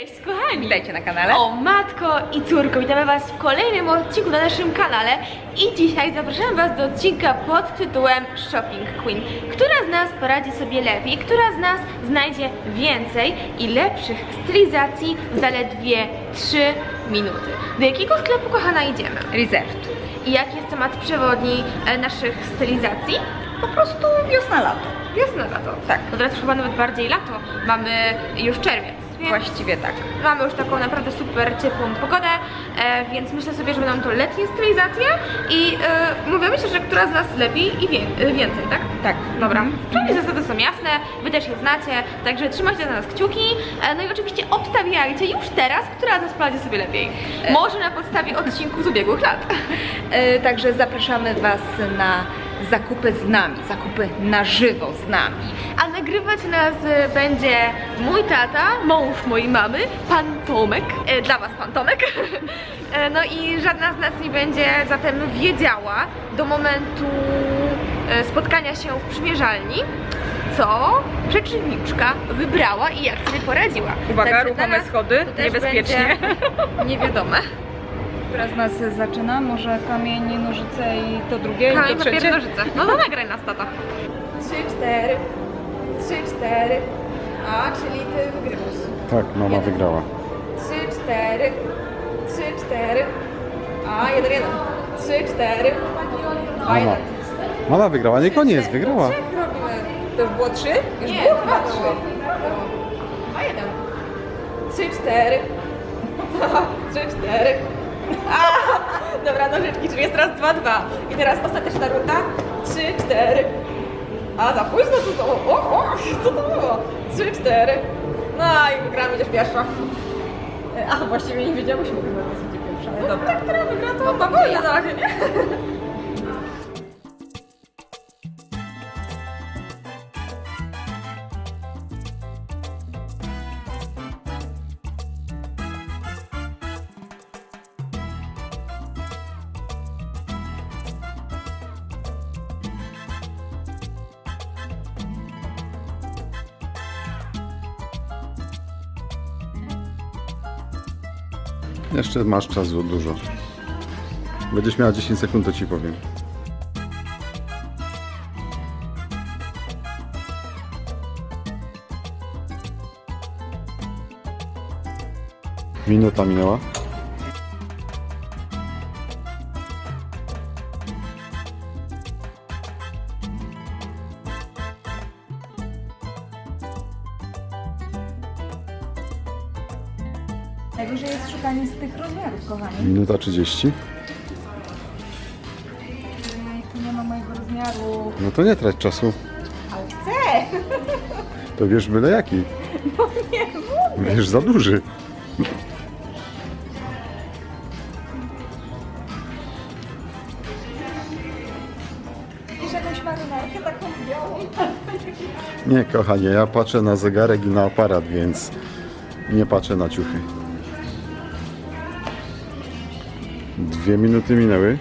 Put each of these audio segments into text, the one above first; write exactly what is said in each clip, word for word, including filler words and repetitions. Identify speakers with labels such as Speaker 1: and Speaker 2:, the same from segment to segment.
Speaker 1: Cześć kochani!
Speaker 2: Witajcie na kanale.
Speaker 1: O matko i córko, witamy was w kolejnym odcinku na naszym kanale i dzisiaj zapraszam was do odcinka pod tytułem Shopping Queen. Która z nas poradzi sobie lepiej, która z nas znajdzie więcej i lepszych stylizacji w zaledwie trzy minuty. Do jakiego sklepu, kochana, idziemy?
Speaker 2: Reserved.
Speaker 1: I jaki jest temat przewodni e, naszych stylizacji?
Speaker 2: Po prostu wiosna, lato.
Speaker 1: Wiosna, lato.
Speaker 2: Tak.
Speaker 1: No teraz już chyba nawet bardziej lato. Mamy już czerwiec. Więc
Speaker 2: Właściwie tak.
Speaker 1: mamy już taką naprawdę super ciepłą pogodę, e, więc myślę sobie, że będą to letnie stylizacje i e, mówimy się, że która z nas lepiej i wie, e, więcej, tak?
Speaker 2: Tak.
Speaker 1: Dobra.
Speaker 2: Mhm.
Speaker 1: Czyli zasady są jasne, wy też je znacie, także trzymajcie za nas kciuki, e, no i oczywiście obstawiajcie już teraz, która z nas poradzi sobie lepiej. Może na podstawie odcinków z ubiegłych lat.
Speaker 2: E, także zapraszamy was na zakupy z nami, zakupy na żywo z nami.
Speaker 1: A nagrywać nas e, będzie mój tata, mąż mojej mamy, pan Tomek, e, dla was pan Tomek. E, no i żadna z nas nie będzie zatem wiedziała do momentu e, spotkania się w przymierzalni, co przeciwniczka wybrała i jak sobie poradziła.
Speaker 2: Uwaga,
Speaker 1: Także
Speaker 2: ruchome
Speaker 1: dla nas
Speaker 2: schody,
Speaker 1: to też
Speaker 2: niebezpiecznie.
Speaker 1: będzie niewiadome.
Speaker 2: Która z nas zaczyna? Może kamień, nożyce i to drugie, i
Speaker 1: Kamień,
Speaker 2: to
Speaker 1: papier,
Speaker 2: trzecie?
Speaker 1: nożyce. No to nagraj nas, tata.
Speaker 3: Trzy, cztery. Trzy, cztery. A, czyli ty wygrywasz.
Speaker 4: Tak, mama wygrała.
Speaker 3: Trzy, cztery. Trzy, cztery. A, jeden, jeden. Trzy, cztery. Dwa,
Speaker 4: Mama.
Speaker 3: jeden.
Speaker 4: Mama wygrała, nie koniec, wygrała.
Speaker 3: Trzech robimy.
Speaker 2: To już było trzy? Już
Speaker 3: Nie,
Speaker 2: było
Speaker 3: dwa,
Speaker 2: chyba
Speaker 3: trzy.
Speaker 2: trzy.
Speaker 3: Dwa, jeden. Trzy, cztery. Trzy, cztery. A, dobra, nożyczki, czyli jest teraz dwa, dwa. I teraz ostateczna runda. Trzy, cztery. A, za późno to było. O, o, co to było? Trzy, cztery. No i wygramy, będziesz pierwsza. A, właściwie nie wiedziałyśmy, chyba będzie pierwsza, ale dobra. Tak, która wygra, to no, powoli na razie, nie?
Speaker 4: Jeszcze masz czasu dużo. Będziesz miała dziesięć sekund, to ci powiem. Minuta minęła.
Speaker 2: Najgorzej jest szukanie z tych rozmiarów, kochani.
Speaker 4: Minuta trzydzieści.
Speaker 2: Ej, tu nie ma mojego rozmiaru.
Speaker 4: No to nie trać czasu.
Speaker 2: Ale chcę!
Speaker 4: To wiesz byle jaki.
Speaker 2: No nie mówię.
Speaker 4: Wiesz za duży.
Speaker 2: Wiesz jakąś marynarkę taką białą?
Speaker 4: Nie, kochanie, ja patrzę na zegarek i na aparat, więc nie patrzę na ciuchy. Dwie minuty minęły.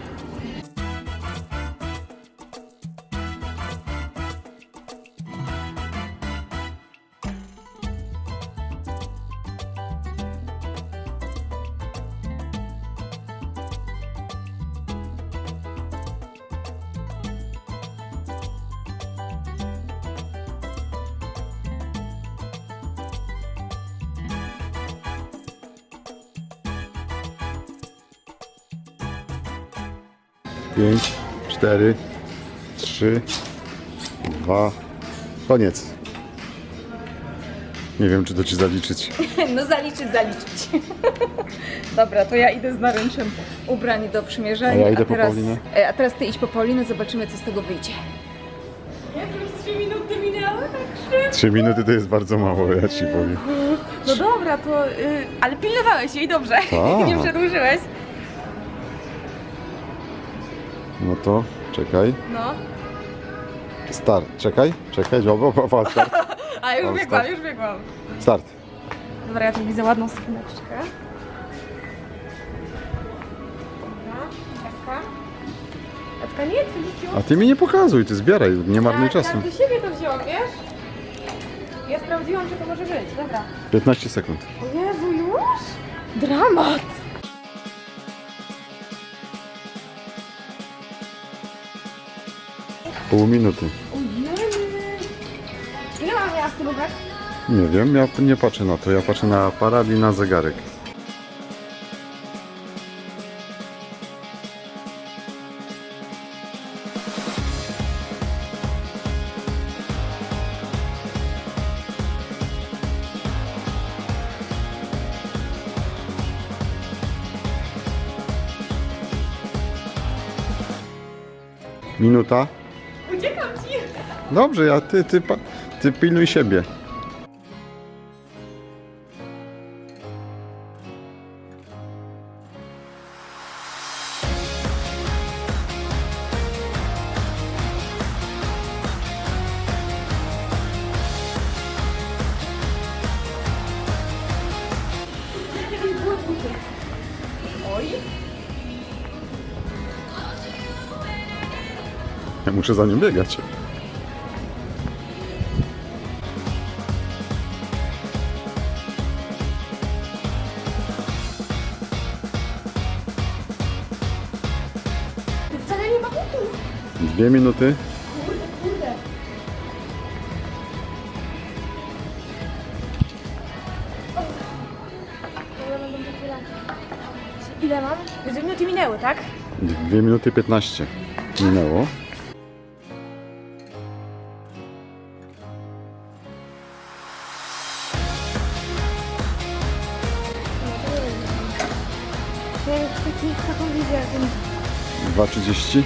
Speaker 4: Pięć, cztery, trzy, dwa, koniec. Nie wiem, czy to ci zaliczyć.
Speaker 2: No zaliczyć, zaliczyć. Dobra, to ja idę z naręczem ubrań do przymierzania.
Speaker 4: A ja idę po
Speaker 2: teraz,
Speaker 4: Paulinę.
Speaker 2: e, A teraz ty idź po Paulinę, zobaczymy, co z tego wyjdzie.
Speaker 1: Trzy minuty minęły, tak
Speaker 4: Trzy minuty to jest bardzo mało, ja ci powiem.
Speaker 1: No dobra, to... Y, ale pilnowałeś jej dobrze.
Speaker 4: Tak.
Speaker 1: Nie przedłużyłeś.
Speaker 4: No to czekaj.
Speaker 1: No.
Speaker 4: Start. Czekaj, czekaj, o, o, o, start.
Speaker 1: A już
Speaker 4: O,
Speaker 1: biegłam,
Speaker 4: start.
Speaker 1: już biegłam.
Speaker 4: Start.
Speaker 1: Dobra, ja tu widzę ładną skrzyneczkę. Dobra, Jacka. Jacka, nie, co rzuciłam?
Speaker 4: A ty mi nie pokazuj, ty zbieraj, nie marnuj
Speaker 1: Ja,
Speaker 4: czasu.
Speaker 1: ja do siebie to wziąłam, wiesz? Ja sprawdziłam, że to może być, dobra.
Speaker 4: piętnaście sekund.
Speaker 1: O Jezu,
Speaker 3: Dramat!
Speaker 4: Pół minuty.
Speaker 3: Ile mam miała stylówek?
Speaker 4: Nie wiem, ja nie patrzę na to, ja patrzę na aparat i na zegarek. Minuta?
Speaker 3: Uciekam ci!
Speaker 4: Dobrze, ja ty, ty, pa- ty pilnuj siebie.
Speaker 3: Oj!
Speaker 4: Ja muszę za nim biegać.
Speaker 3: Wcale nie ma butów!
Speaker 4: Dwie minuty.
Speaker 3: Kurde, kurde! Ile mam? Dwie minuty minęły, tak?
Speaker 4: Dwie minuty piętnaście minęło.
Speaker 3: Ja już taki, taką wizję.
Speaker 4: dwa trzydzieści.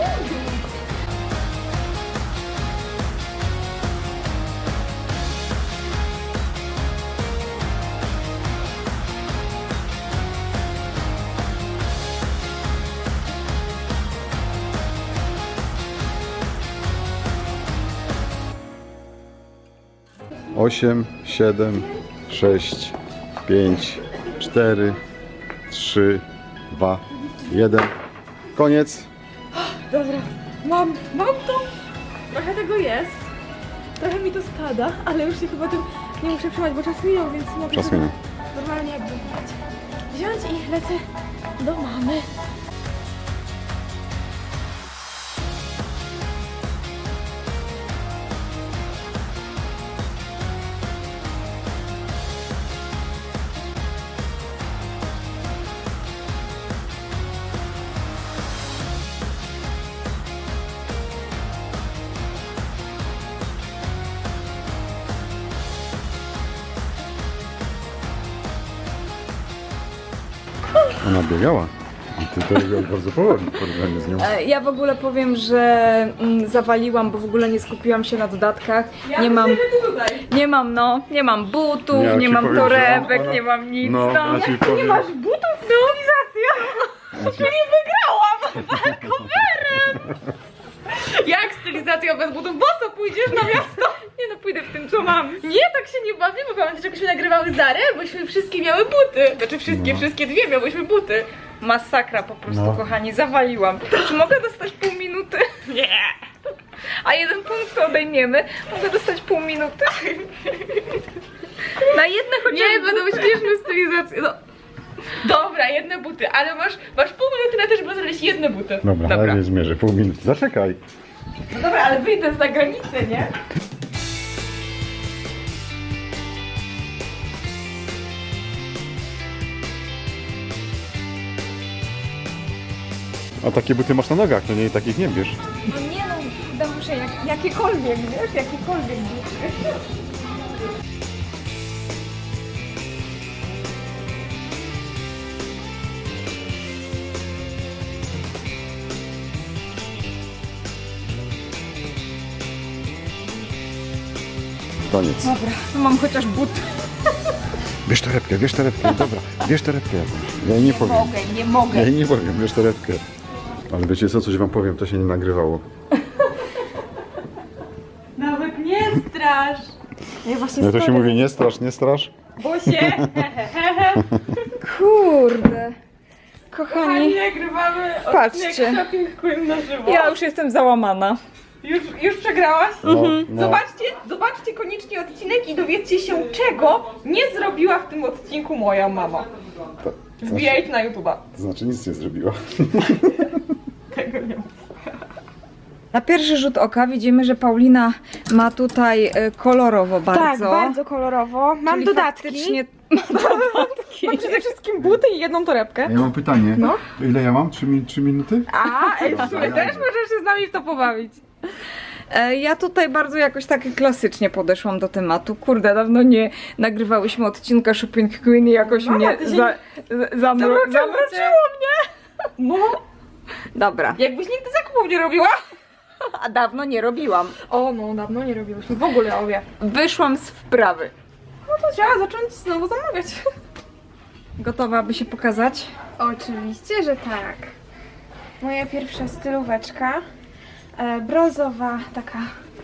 Speaker 4: Osiem, siedem, sześć, pięć, cztery, trzy, dwa, jeden. Koniec.
Speaker 3: Dobra, mam, mam to! Trochę tego jest. Trochę mi to spada, ale już się chyba tym nie muszę trzymać, bo czas minął, więc mogę
Speaker 4: Czas
Speaker 3: sobie
Speaker 4: minął.
Speaker 3: normalnie jakby wziąć i lecę do mamy.
Speaker 4: Ona biegała. I ty to biegał bardzo powoli w porównaniu z nią.
Speaker 2: E, Ja w ogóle powiem, że mm, zawaliłam, bo w ogóle nie skupiłam się na dodatkach. Nie mam,
Speaker 3: tutaj.
Speaker 2: nie mam, no, nie mam butów,
Speaker 4: Ja
Speaker 2: nie
Speaker 4: ci
Speaker 2: mam
Speaker 4: powiem, że
Speaker 2: torebek,
Speaker 4: ona-
Speaker 2: nie mam nic.
Speaker 4: No,
Speaker 2: No,
Speaker 4: ja ci powiem.
Speaker 2: butów, stylizacja!
Speaker 4: Znaczy-
Speaker 1: Jak stylizacja bez butów? Boso pójdziesz na miasto?
Speaker 2: Nie no, pójdę w tym, co mam.
Speaker 1: Nie, tak się nie bawimy. Pamiętasz, jak myśmy nagrywały Zarę? Bośmy wszystkie miały buty. Znaczy wszystkie,
Speaker 4: No.
Speaker 1: wszystkie dwie miałyśmy buty.
Speaker 2: Masakra po prostu,
Speaker 4: No.
Speaker 2: kochani, zawaliłam. Czy mogę dostać pół minuty? Nie. A jeden punkt to odejmiemy. Mogę dostać pół minuty? Na jedne chociaż
Speaker 1: Nie,
Speaker 2: buty.
Speaker 1: będą śmieszne stylizacje. No. Dobra, jedne buty, ale masz, masz pół minuty na to, żeby znaleźć jedne buty.
Speaker 4: Dobra, na razie zmierzę. Pół minuty. Zaczekaj.
Speaker 1: No dobra, ale wyjdę za granicę, nie?
Speaker 4: A takie buty masz na nogach, to nie takich nie bierz.
Speaker 2: No nie no, chyba muszę jak, jakiekolwiek, wiesz, jakiekolwiek buty.
Speaker 4: Koniec.
Speaker 2: Dobra, to mam chociaż buty.
Speaker 4: Bierz torebkę, bierz torebkę, dobra. Bierz torebkę jakąś. Ja jej nie powiem.
Speaker 2: Mogę, nie mogę.
Speaker 4: Ja jej nie powiem, bierz torebkę. Ale wiecie co, coś wam powiem, to się nie nagrywało.
Speaker 3: Nawet nie strasz! Ja właśnie
Speaker 4: No to się mówi nie strasz, nie strasz.
Speaker 3: Bo się!
Speaker 2: Kurde.
Speaker 3: Kochani,
Speaker 2: Kochani,
Speaker 3: nagrywamy
Speaker 2: Patrzcie.
Speaker 3: odcinek Shopping Queen na żywo.
Speaker 2: ja już jestem załamana.
Speaker 3: Już, już przegrałaś?
Speaker 4: No, no.
Speaker 3: Zobaczcie, zobaczcie koniecznie odcinek i dowiedzcie się, czego nie zrobiła w tym odcinku moja mama.
Speaker 4: To, to,
Speaker 2: Wbijajcie na YouTube'a.
Speaker 4: to znaczy nic nie zrobiła.
Speaker 2: Tego nie mów. Na pierwszy rzut oka widzimy, że Paulina ma tutaj e, kolorowo bardzo.
Speaker 1: Tak, bardzo kolorowo. Mam
Speaker 2: Czyli
Speaker 1: dodatki.
Speaker 2: faktycznie ma dodatki.
Speaker 1: Mam przede wszystkim buty i jedną torebkę.
Speaker 4: Ja mam pytanie.
Speaker 1: No.
Speaker 4: To ile ja mam? Trzy, mi- trzy minuty?
Speaker 1: A, ej, w sumie
Speaker 2: Też możesz się z nami w to pobawić. E, Ja tutaj bardzo jakoś tak klasycznie podeszłam do tematu. Kurde, dawno nie nagrywałyśmy odcinka Shopping Queen i jakoś mnie za, za, zamro, zamroczyło mnie. No. Dobra.
Speaker 1: Jakbyś nigdy zakupów nie robiła.
Speaker 2: A dawno nie robiłam.
Speaker 1: O, no dawno nie robiłyśmy w ogóle obie.
Speaker 2: Wyszłam z wprawy.
Speaker 1: No to trzeba zacząć znowu zamawiać.
Speaker 2: Gotowa, aby się pokazać?
Speaker 1: Oczywiście, że tak. Moja pierwsza stylóweczka. E, brązowa taka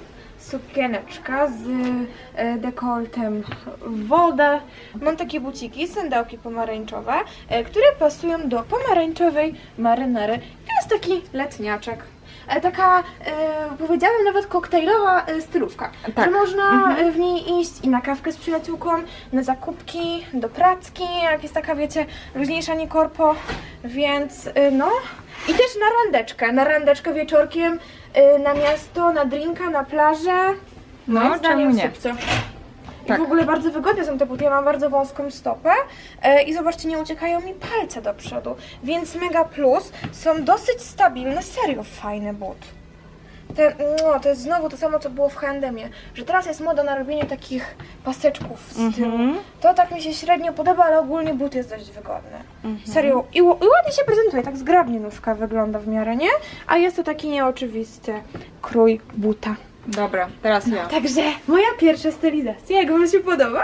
Speaker 1: sukieneczka z e, dekoltem w wodę. Mam takie buciki, sandałki pomarańczowe, e, które pasują do pomarańczowej marynary. To jest taki letniaczek. E, taka, e, powiedziałabym nawet koktajlowa e, stylówka.
Speaker 2: Tak.
Speaker 1: Że można e, w niej iść i na kawkę z przyjaciółką, na zakupki, do pracki, jak jest taka, wiecie, luźniejsza, nie korpo. Więc e, no. I też na randeczkę, na randeczkę wieczorkiem, y, na miasto, na drinka, na plażę.
Speaker 2: No,
Speaker 1: moim zdaniem
Speaker 2: czemu nie?
Speaker 1: super. I
Speaker 2: Tak.
Speaker 1: w ogóle bardzo wygodne są te buty, ja mam bardzo wąską stopę y, i zobaczcie, nie uciekają mi palce do przodu, więc mega plus, są dosyć stabilne, serio fajny but. Te, no, to jest znowu to samo, co było w H and M-ie, że teraz jest moda na robienie takich paseczków z tyłu.
Speaker 2: Mhm.
Speaker 1: To tak mi się średnio podoba, ale ogólnie but jest dość wygodny. Serio. I, ł- I ładnie się prezentuje, tak zgrabnie nóżka wygląda w miarę, nie? A jest to taki nieoczywisty krój buta.
Speaker 2: Dobra, teraz ja.
Speaker 1: Także moja pierwsza stylizacja, jak wam się podoba?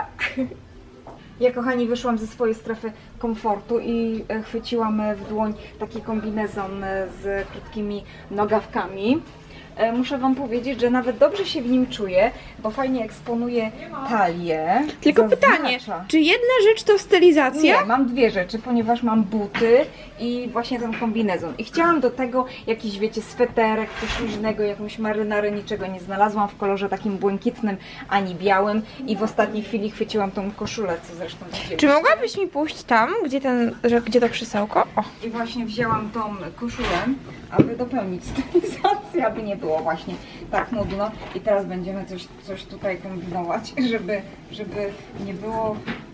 Speaker 2: Ja, kochani, wyszłam ze swojej strefy komfortu i e, chwyciłam e, w dłoń taki kombinezon e, z krótkimi nogawkami. E, Muszę wam powiedzieć, że nawet dobrze się w nim czuję, bo fajnie eksponuje talię.
Speaker 1: Tylko
Speaker 2: Zaznacza.
Speaker 1: pytanie, czy jedna rzecz to stylizacja?
Speaker 2: Nie, mam dwie rzeczy, ponieważ mam buty i właśnie ten kombinezon. I chciałam do tego jakiś, wiecie, sweterek, coś luźnego, jakąś marynarę, niczego nie znalazłam w kolorze takim błękitnym ani białym i w ostatniej chwili chwyciłam tą koszulę, co zresztą widzieliście.
Speaker 1: Czy mogłabyś mi pójść tam, gdzie, ten, że, gdzie to krzesełko? O.
Speaker 2: I właśnie wzięłam tą koszulę, aby dopełnić stylizację, aby nie było właśnie tak nudno. I teraz będziemy coś, coś tutaj kombinować, żeby, żeby nie było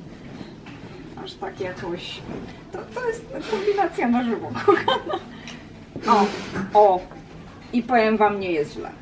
Speaker 2: aż tak jakoś... To, to jest kombinacja na żywo, kochana. O, o! I powiem wam, nie jest źle.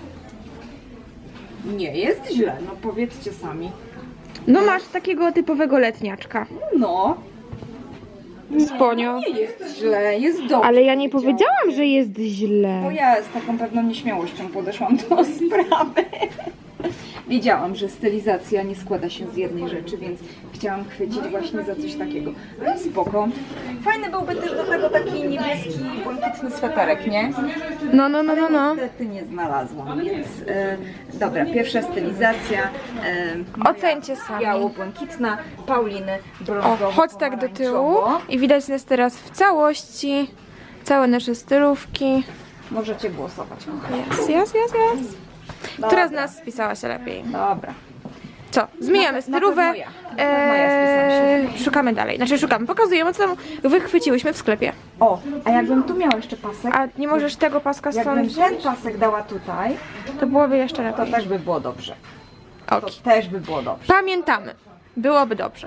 Speaker 2: Nie jest źle, no powiedzcie sami.
Speaker 1: No masz takiego typowego letniaczka.
Speaker 2: No,
Speaker 1: Sponio.
Speaker 2: nie jest źle, jest dobrze.
Speaker 1: Ale ja nie
Speaker 2: powiedziałam.
Speaker 1: powiedziałam, że jest źle.
Speaker 2: Bo ja z taką pewną nieśmiałością podeszłam do sprawy. Wiedziałam, że stylizacja nie składa się z jednej rzeczy, więc chciałam chwycić właśnie za coś takiego. Ale spoko. Fajny byłby też do tego taki niebieski, błękitny sweterek, nie?
Speaker 1: No, no, no, no, no.
Speaker 2: Niestety nie znalazłam, więc e, dobra, pierwsza stylizacja. E, moja
Speaker 1: Ocencie sami.
Speaker 2: biało-błękitna, Pauliny
Speaker 1: O,
Speaker 2: brązowo
Speaker 1: chodź tak do tyłu i widać nas teraz w całości. Całe nasze stylówki.
Speaker 2: Możecie głosować, kochani.
Speaker 1: Jest, jest, jest, jest. Która z
Speaker 2: Dobra.
Speaker 1: nas spisała się lepiej?
Speaker 2: Dobra.
Speaker 1: Co? Zmieniamy
Speaker 2: Na pe- na
Speaker 1: stylówę.
Speaker 2: pewno ja. Na pewno ja spisałam
Speaker 1: Eee, szukamy dalej. Znaczy szukamy. Pokazujemy, co tam wychwyciłyśmy w sklepie.
Speaker 2: O, a jakbym tu miała jeszcze pasek,
Speaker 1: A nie możesz tego paska stąd
Speaker 2: jakbym
Speaker 1: wziąć?
Speaker 2: ten pasek dała tutaj,
Speaker 1: To byłoby jeszcze
Speaker 2: to
Speaker 1: lepiej.
Speaker 2: też by było dobrze. To
Speaker 1: Ok.
Speaker 2: też by było dobrze.
Speaker 1: Pamiętamy. Byłoby dobrze.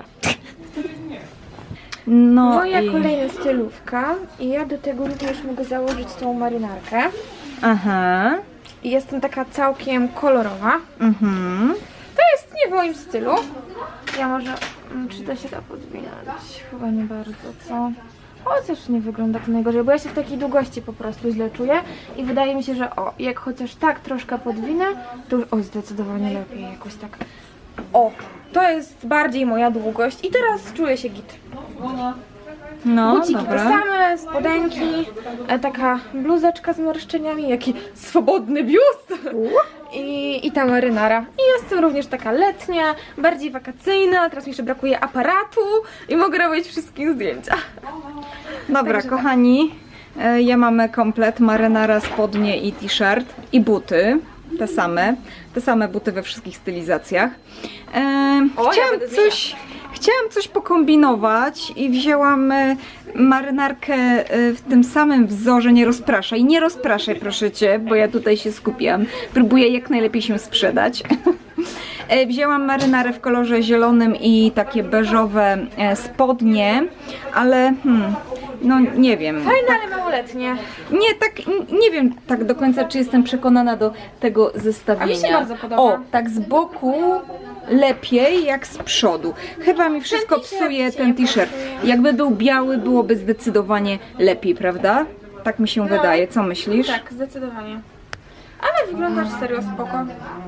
Speaker 2: No
Speaker 1: Moja
Speaker 2: i...
Speaker 1: kolejna stylówka i ja do tego również mogę założyć tą marynarkę.
Speaker 2: Aha.
Speaker 1: I jestem taka całkiem kolorowa.
Speaker 2: Mhm.
Speaker 1: To jest nie w moim stylu. Ja może... mm, Czy to się da podwinąć? Chyba nie bardzo, co? Chociaż nie wygląda to najgorzej, bo ja się w takiej długości po prostu źle czuję. I wydaje mi się, że o, jak chociaż tak troszkę podwinę, to już o, zdecydowanie lepiej jakoś tak. O, to jest bardziej moja długość i teraz czuję się git.
Speaker 2: No,
Speaker 1: Buciki te
Speaker 2: dobra.
Speaker 1: same, spodenki, e, taka bluzeczka z marszczeniami, jaki swobodny biust i, i ta marynara. I jestem również taka letnia, bardziej wakacyjna, teraz mi jeszcze brakuje aparatu i mogę robić wszystkim zdjęcia.
Speaker 2: Dobra,
Speaker 1: Także tak.
Speaker 2: kochani, e, ja mamy komplet, marynara, spodnie i t-shirt i buty. Te same, te same buty we wszystkich stylizacjach. E,
Speaker 1: O, ja
Speaker 2: chciałam
Speaker 1: będę
Speaker 2: coś, chciałam coś pokombinować i wzięłam e, marynarkę e, w tym samym wzorze, nie rozpraszaj, nie rozpraszaj proszę Cię, bo ja tutaj się skupiam, próbuję jak najlepiej się sprzedać. E, Wzięłam marynarę w kolorze zielonym i takie beżowe e, spodnie, ale hmm, no nie wiem.
Speaker 1: Fajne, ale małoletnie.
Speaker 2: Nie, tak, n- nie wiem tak do końca, czy jestem przekonana do tego zestawienia.
Speaker 1: A mi się bardzo podoba.
Speaker 2: O, tak z boku lepiej jak z przodu. Chyba mi wszystko
Speaker 1: t-shirt
Speaker 2: psuje
Speaker 1: ci
Speaker 2: ten
Speaker 1: nie
Speaker 2: t-shirt.
Speaker 1: pasuje.
Speaker 2: Jakby był biały, byłoby zdecydowanie lepiej, prawda? Tak mi się
Speaker 1: No.
Speaker 2: wydaje. Co myślisz?
Speaker 1: Tak, zdecydowanie. Ale wyglądasz serio spoko.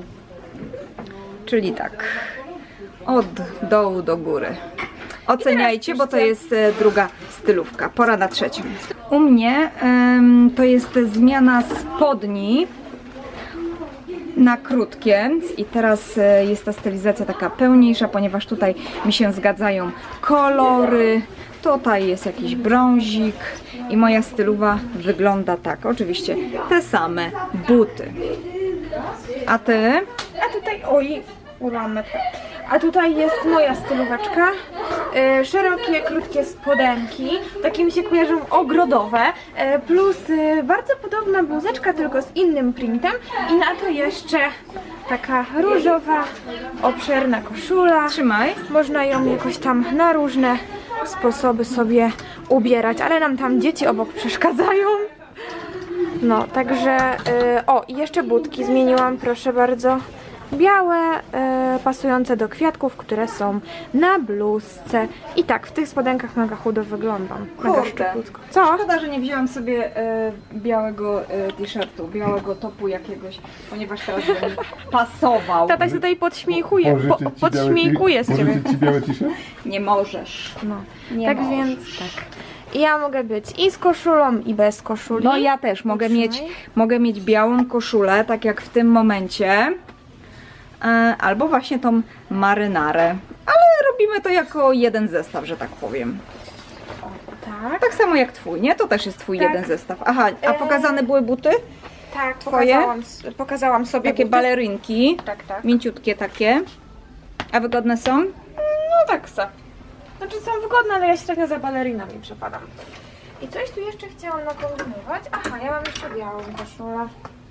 Speaker 2: Czyli tak, od dołu do góry. Oceniajcie, bo to jest e, druga stylówka. Pora na trzecią. U mnie em, to jest zmiana spodni na krótkie i teraz e, jest ta stylizacja taka pełniejsza, ponieważ tutaj mi się zgadzają kolory. Tutaj jest jakiś brązik i moja stylowa wygląda tak. Oczywiście te same buty. A ty?
Speaker 1: A tutaj, oj, urwałam metkę. A tutaj jest moja stylóweczka. E, szerokie, krótkie spodenki. Takie mi się kojarzą ogrodowe. E, plus e, bardzo podobna bluzeczka, tylko z innym printem. I na to jeszcze taka różowa, obszerna koszula.
Speaker 2: Trzymaj.
Speaker 1: Można ją jakoś tam na różne sposoby sobie ubierać, ale nam tam dzieci obok przeszkadzają. No, także, y, o i jeszcze budki zmieniłam, proszę bardzo, białe, y, pasujące do kwiatków, które są na bluzce. I tak, w tych spodenkach mega chudo wyglądam, mega
Speaker 2: Kurde.
Speaker 1: szczupłutko. Co?
Speaker 2: Szkoda, że nie wzięłam sobie e, białego e, t-shirtu, białego topu jakiegoś, ponieważ teraz by mi pasował.
Speaker 1: Tata się tutaj podśmiechuje, po, podśmiechuje z ciebie.
Speaker 4: Pożyczyć ci biały t-shirt?
Speaker 2: Nie możesz.
Speaker 1: No.
Speaker 2: Nie
Speaker 1: Tak
Speaker 2: możesz.
Speaker 1: więc, tak. I ja mogę być i z koszulą, i bez koszuli.
Speaker 2: No ja też mogę mieć,
Speaker 1: Trzymaj.
Speaker 2: mogę mieć białą koszulę, tak jak w tym momencie. E, albo właśnie tą marynarę. Ale robimy to jako jeden zestaw, że tak powiem.
Speaker 1: Tak,
Speaker 2: Tak samo jak twój, nie? To też jest twój
Speaker 1: Tak.
Speaker 2: jeden zestaw. Aha, a
Speaker 1: E,
Speaker 2: pokazane były buty?
Speaker 1: tak,
Speaker 2: Twoje?
Speaker 1: pokazałam, pokazałam sobie
Speaker 2: Takie
Speaker 1: buty.
Speaker 2: balerynki.
Speaker 1: Tak, tak.
Speaker 2: Mięciutkie takie. A wygodne są?
Speaker 1: No tak se. Znaczy są wygodne, ale ja średnio za balerinami przepadam. I coś tu jeszcze chciałam nakombinować. Aha, ja mam jeszcze białą koszulę.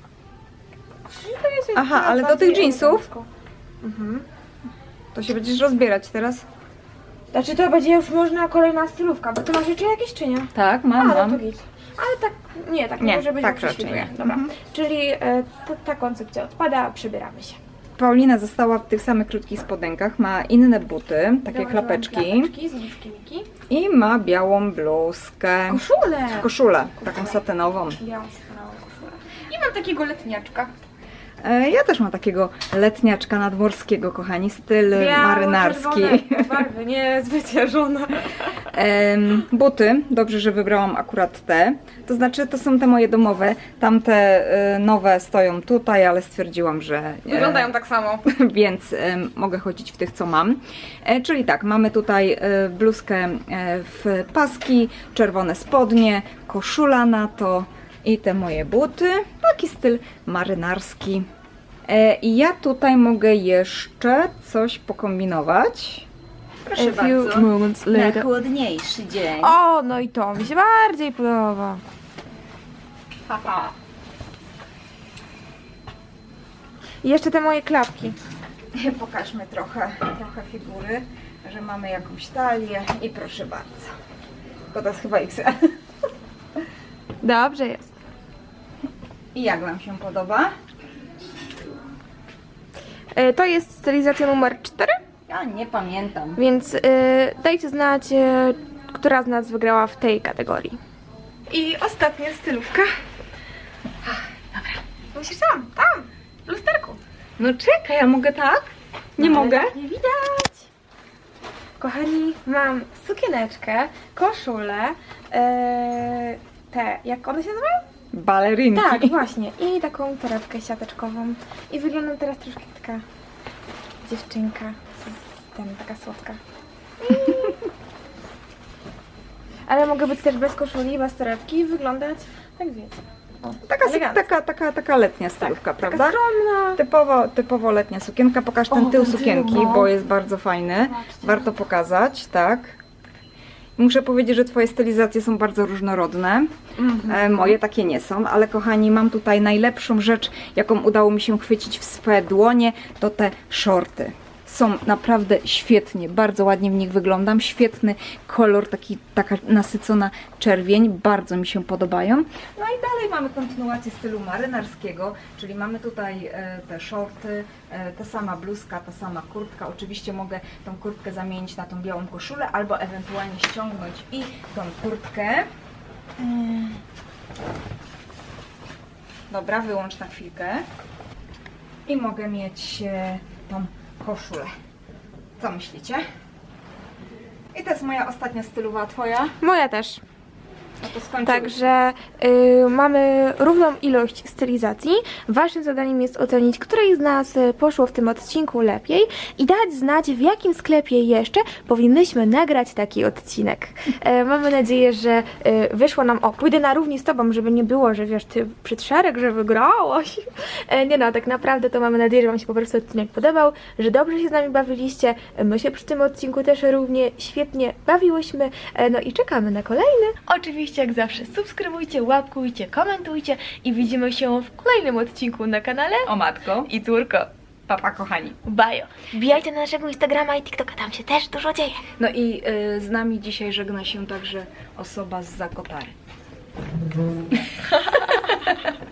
Speaker 1: I to jest
Speaker 2: Aha,
Speaker 1: taka
Speaker 2: ale do
Speaker 1: bardziej
Speaker 2: tych jeansów?
Speaker 1: elegancko. Mhm.
Speaker 2: To się będziesz rozbierać teraz?
Speaker 1: Znaczy to będzie już można kolejna stylówka, bo ty masz jeszcze jakieś czy nie?
Speaker 2: Tak,
Speaker 1: A,
Speaker 2: mam,
Speaker 1: no to
Speaker 2: mam.
Speaker 1: git. Ale tak, nie, tak
Speaker 2: Nie,
Speaker 1: nie może być,
Speaker 2: tak
Speaker 1: bo
Speaker 2: raczej
Speaker 1: prześwituje.
Speaker 2: nie.
Speaker 1: Dobra,
Speaker 2: Mhm.
Speaker 1: czyli e, ta, ta koncepcja odpada, przybieramy się.
Speaker 2: Paulina została w tych samych krótkich spodenkach, ma inne buty, takie
Speaker 1: Założyłam
Speaker 2: klapeczki
Speaker 1: klapeczki z nóżki Miki.
Speaker 2: i ma białą bluzkę,
Speaker 1: Koszulę!
Speaker 2: koszulę, taką satynową.
Speaker 1: Białą skórową koszulę. I mam takiego letniaczka.
Speaker 2: E, Ja też mam takiego letniaczka nadmorskiego, kochani, styl marynarski.
Speaker 1: Biało-czerwone barwy, nie zwyciężone.
Speaker 2: Em, Buty, dobrze, że wybrałam akurat te. To znaczy, to są te moje domowe. Tamte e, nowe stoją tutaj, ale stwierdziłam, że e,
Speaker 1: Wyglądają tak samo.
Speaker 2: więc em, mogę chodzić w tych, co mam. E, czyli tak, mamy tutaj e, bluzkę e, w paski, czerwone spodnie, koszula na to i te moje buty. Taki styl marynarski. E, I ja tutaj mogę jeszcze coś pokombinować. Proszę
Speaker 1: A few moments later.
Speaker 2: chłodniejszy dzień.
Speaker 1: O, no i to mi się bardziej podoba.
Speaker 2: Haha.
Speaker 1: I jeszcze te moje klapki.
Speaker 2: Pokażmy trochę, trochę figury, że mamy jakąś talię i proszę bardzo. Tylko to jest chyba X L.
Speaker 1: Dobrze jest.
Speaker 2: I jak Wam się podoba?
Speaker 1: E, To jest stylizacja numer cztery,
Speaker 2: Ja nie pamiętam.
Speaker 1: więc e, dajcie znać, e, która z nas wygrała w tej kategorii. I ostatnia stylówka. Ach, dobra. Musisz tam, tam, w lusterku.
Speaker 2: No czekaj, ja mogę tak? Nie
Speaker 1: No,
Speaker 2: mogę?
Speaker 1: ale Nie widać. Kochani, mam sukieneczkę, koszulę, e, te, jak one się nazywają?
Speaker 2: Balerinki.
Speaker 1: Tak, właśnie. I taką torebkę siateczkową. I wyglądam teraz troszkę jak taka dziewczynka. Z ten, taka słodka. Ale mogę być też bez koszuli, bez torebki i wyglądać, tak wiecie.
Speaker 2: Taka,
Speaker 3: elegancko.
Speaker 2: taka, taka, taka letnia stylówka,
Speaker 3: Taka
Speaker 2: prawda?
Speaker 3: skromna.
Speaker 2: Typowo, typowo letnia sukienka. Pokaż ten
Speaker 3: O,
Speaker 2: tył
Speaker 3: ten tył,
Speaker 2: sukienki,
Speaker 3: no.
Speaker 2: bo jest bardzo fajny. Warto pokazać, tak. Muszę powiedzieć, że Twoje stylizacje są bardzo różnorodne. E, moje takie nie są, ale kochani, mam tutaj najlepszą rzecz, jaką udało mi się chwycić w swoje dłonie, to te shorty. Są naprawdę świetnie, bardzo ładnie w nich wyglądam, świetny kolor, taki, taka nasycona czerwień, bardzo mi się podobają. No i dalej mamy kontynuację stylu marynarskiego, czyli mamy tutaj e, te shorty, e, ta sama bluzka, ta sama kurtka. Oczywiście mogę tą kurtkę zamienić na tą białą koszulę, albo ewentualnie ściągnąć i tą kurtkę. Mm. Dobra, wyłącz na chwilkę. I mogę mieć e, tą koszulę. Co myślicie? I to jest moja ostatnia stylowa, twoja?
Speaker 3: Moja też.
Speaker 2: No to skończymy.
Speaker 3: Także y, mamy równą ilość stylizacji. Waszym zadaniem jest ocenić, której z nas y, poszło w tym odcinku lepiej i dać znać, w jakim sklepie jeszcze powinnyśmy nagrać taki odcinek. E, mamy nadzieję, że y, wyszło nam... O, pójdę na równi z tobą, żeby nie było, że wiesz, ty przed szereg, że wygrałaś. E, nie no, tak naprawdę to mamy nadzieję, że wam się po prostu odcinek podobał, że dobrze się z nami bawiliście. My się przy tym odcinku też równie świetnie bawiłyśmy. E, no i czekamy na kolejny.
Speaker 1: Oczywiście jak zawsze subskrybujcie, łapkujcie, komentujcie i widzimy się w kolejnym odcinku na kanale
Speaker 2: O matko.
Speaker 1: i córko.
Speaker 2: Papa, kochani.
Speaker 1: Bajo.
Speaker 3: Wbijajcie na naszego Instagrama i TikToka, tam się też dużo dzieje.
Speaker 2: No i y, z nami dzisiaj żegna się także osoba z Zakopary.